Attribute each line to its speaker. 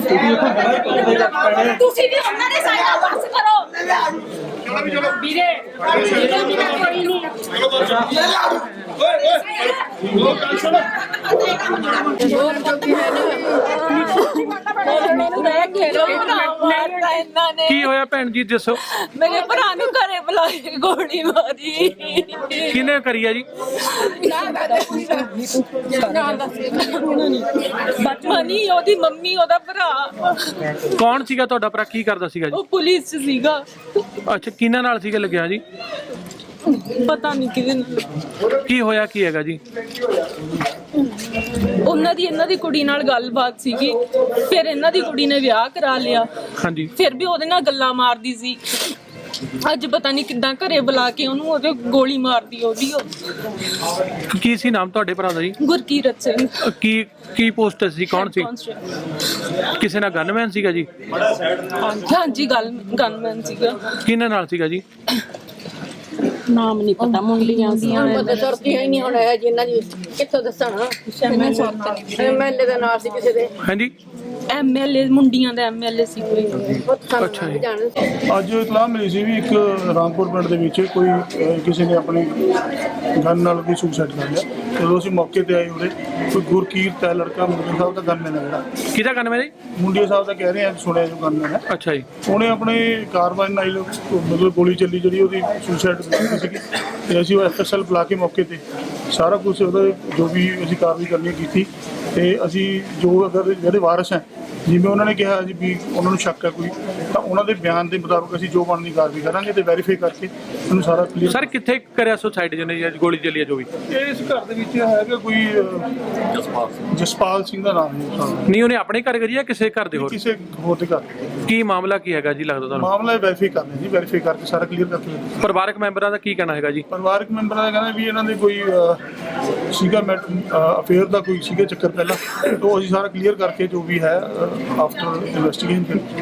Speaker 1: ਤੁਸੀਂ ਵੀ ਉਹਨਾਂ ਦੇ ਸਾਈਡ ਬਸ ਕਰੋ ਵੀਰੇ ਕੋਈ ਨਹੀਂ
Speaker 2: ਕੀ ਹੋਇਆ ਭੈਣ ਜੀ ਦੱਸੋ?
Speaker 3: ਮੇਰੇ ਭਰਾ ਨੂੰ ਘਰੇ ਬੁਲਾ ਕੇ ਗੋਲੀ ਮਾਰੀ।
Speaker 2: ਕਿਹਨੇ ਕਰੀ ਆ ਜੀ?
Speaker 3: ਮਨੀ ਉਹਦੀ ਮੰਮੀ ਉਹਦਾ ਭਰਾ।
Speaker 2: ਕੌਣ ਸੀਗਾ ਤੁਹਾਡਾ ਭਰਾ? ਕੀ ਕਰਦਾ ਸੀਗਾ ਜੀ?
Speaker 3: ਉਹ ਪੁਲਿਸ 'ਚ ਸੀਗਾ।
Speaker 2: ਅੱਛਾ, ਕਿਹਨਾਂ ਨਾਲ ਸੀਗਾ ਲੱਗਿਆ ਜੀ?
Speaker 3: ਪਤਾ ਨਹੀਂ ਕਿਹਦੇ ਨਾਲ।
Speaker 2: ਕੀ ਹੋਇਆ ਕੀ ਹੈਗਾ ਜੀ?
Speaker 3: ਉਹਨਾਂ ਦੀ ਇਹਨਾਂ ਦੀ ਕੁੜੀ ਨਾਲ ਗੱਲਬਾਤ ਸੀਗੀ, ਫਿਰ ਇਹਨਾਂ ਦੀ ਕੁੜੀ ਨੇ ਵਿਆਹ ਕਰਾ ਲਿਆ।
Speaker 2: ਹਾਂਜੀ,
Speaker 3: ਫਿਰ ਵੀ ਉਹਦੇ ਨਾਲ ਗੱਲਾਂ ਮਾਰਦੀ ਸੀ। ਅੱਜ ਪਤਾ ਨਹੀਂ ਕਿੱਦਾਂ ਘਰੇ ਬੁਲਾ ਕੇ ਉਹਨੂੰ ਉਹਦੇ ਗੋਲੀ ਮਾਰਦੀ ਉਹਦੀ।
Speaker 2: ਕੀ ਸੀ ਨਾਮ ਤੁਹਾਡੇ ਭਰਾ ਦਾ ਜੀ?
Speaker 3: ਗੁਰਕੀਰਤ ਸਿੰਘ।
Speaker 2: ਕੀ ਪੋਸਟ ਸੀ? ਕੌਣ ਸੀ? ਕਿਸੇ ਨਾਲ ਗਨਮੈਨ ਸੀਗਾ ਜੀ?
Speaker 3: ਹਾਂਜੀ, ਗਨਮੈਨ ਸੀਗਾ।
Speaker 2: ਕਿਹਨਾਂ ਨਾਲ ਸੀਗਾ ਜੀ?
Speaker 3: ਨਾਮ ਨਹੀਂ ਪਤਾ, ਮੁੰਡੀਆਂ ਦੀਆਂ
Speaker 4: ਪਤਾ ਸੁਰਤੀਆਂ ਹੀ ਨਹੀਂ ਹੁਣ ਹੈ ਜਿੰਨਾ ਦੀ ਕਿੱਥੋਂ ਦੱਸਣਾ। ਐਮਐਲਏ ਦਾ ਨਾਮ ਸੀ ਕਿਸੇ ਦੇ।
Speaker 2: ਹਾਂਜੀ,
Speaker 3: ਐਮਐਲਏ ਮੁੰਡੀਆਂ ਦਾ ਐਮਐਲਏ ਸੀ ਕੋਈ।
Speaker 2: ਅੱਛਾ ਜੀ।
Speaker 5: ਅੱਜ ਇਤਲਾਹ ਮਿਲੀ ਸੀ ਵੀ ਇੱਕ ਰਾਮਪੁਰ ਪਿੰਡ ਦੇ ਵਿੱਚ ਕੋਈ ਕਿਸੇ ਨੇ ਆਪਣੀ ਗਨ ਨਾਲ ਕੋਈ ਸੁਸਾਈਡ ਕਰ ਲਿਆ। ਜਦੋਂ ਅਸੀਂ ਮੌਕੇ ਤੇ ਆਏ ਉਰੇ ਕੋਈ ਗੁਰਕੀਰਤ ਹੈ ਲੜਕਾ, ਮੁੰਡੇ ਸਾਹਿਬ ਦਾ ਗਨਮੈਨ ਹੈ ਜਿਹੜਾ।
Speaker 2: ਕਿਹਦਾ ਗਨਮੈਨ ਜੀ?
Speaker 5: ਮੁੰਡੇ ਸਾਹਿਬ ਦਾ ਕਹਿ ਰਹੇ ਆ, ਸੁਣਿਆ ਜੋ ਗਨਮੈਨ ਹੈ।
Speaker 2: ਅੱਛਾ ਜੀ।
Speaker 5: ਉਹਨੇ ਆਪਣੇ ਕਾਰਵਾਈ ਨਾਲ ਮਤਲਬ ਗੋਲੀ ਚੱਲੀ ਜਿਹੜੀ ਉਹਦੀ ਸੁਸਾਈਡ ਸੀਗੀ ਤੇ ਅਸੀਂ ਉਹ ਐਫਐਸਐਲ ਬੁਲਾ ਕੇ ਮੌਕੇ ਤੇ ਸਾਰਾ ਕੁਝ ਉਹਦਾ ਜੋ ਵੀ ਅਸੀਂ ਕਾਰਵਾਈ ਕਰਨੀ ਕੀਤੀ ਤੇ ਅਸੀਂ ਜੋ ਅਗਰ ਜਿਹੜੇ ਵਾਰਸ ਹੈ ਜਿਵੇਂ ਉਹਨਾਂ ਨੇ ਕਿਹਾ ਜੀ ਵੀ ਉਹਨਾਂ ਨੂੰ ਸ਼ੱਕ ਹੈ ਕੋਈ, ਤਾਂ ਉਹਨਾਂ ਦੇ ਬਿਆਨ ਦੇ ਮੁਤਾਬਕ ਅਸੀਂ ਜੋ ਬਣਦੀ ਕਾਰਵਾਈ ਕਰਾਂਗੇ ਤੇ ਵੈਰੀਫਾਈ ਕਰਕੇ ਉਹਨੂੰ ਸਾਰਾ ਕਲੀਅਰ।
Speaker 2: ਸਰ ਕਿੱਥੇ ਕਰਿਆ ਸੁਸਾਈਡ ਜਿਹਨੇ ਗੋਲੀ ਚੱਲੀ ਆ ਜੋ ਵੀ?
Speaker 5: ਇਸ ਘਰ ਦੇ ਵਿੱਚ ਹੈਗਾ ਕੋਈ ਜਸਪਾਲ ਸਿੰਘ ਦਾ ਨਾਮ ਹੈ।
Speaker 2: ਨਹੀਂ, ਉਹਨੇ ਆਪਣੇ ਘਰ ਕਰੀ ਆ ਕਿਸੇ ਘਰ ਦੇ ਹੋਰ?
Speaker 5: ਕਿਸੇ ਹੋਰ ਦੇ ਘਰ।
Speaker 2: ਕੀ ਮਾਮਲਾ ਕੀ ਹੈਗਾ ਜੀ ਲੱਗਦਾ ਤੁਹਾਨੂੰ?
Speaker 5: ਮਾਮਲਾ ਵੈਰੀਫਾਈ ਕਰਨਾ ਜੀ, ਵੈਰੀਫਾਈ ਕਰਕੇ ਸਾਰਾ ਕਲੀਅਰ ਕਰਕੇ।
Speaker 2: ਪਰਿਵਾਰਕ ਮੈਂਬਰਾਂ ਦਾ ਕੀ ਕਹਿਣਾ ਹੈਗਾ ਜੀ?
Speaker 5: ਪਰਿਵਾਰਕ ਮੈਂਬਰਾਂ ਦਾ ਕਹਿੰਦਾ ਵੀ ਇਹਨਾਂ ਦੇ ਕੋਈ ਸੀਗਾ ਅਫੇਅਰ ਦਾ ਕੋਈ ਸੀਗਾ ਚੱਕਰ ਪਹਿਲਾਂ, ਤੋਂ ਅਸੀਂ ਸਾਰਾ ਕਲੀਅਰ ਕਰਕੇ ਜੋ ਵੀ ਹੈ ਆਫਟਰ ਇਨਵੈਸਟੀਗੇਸ਼ਨ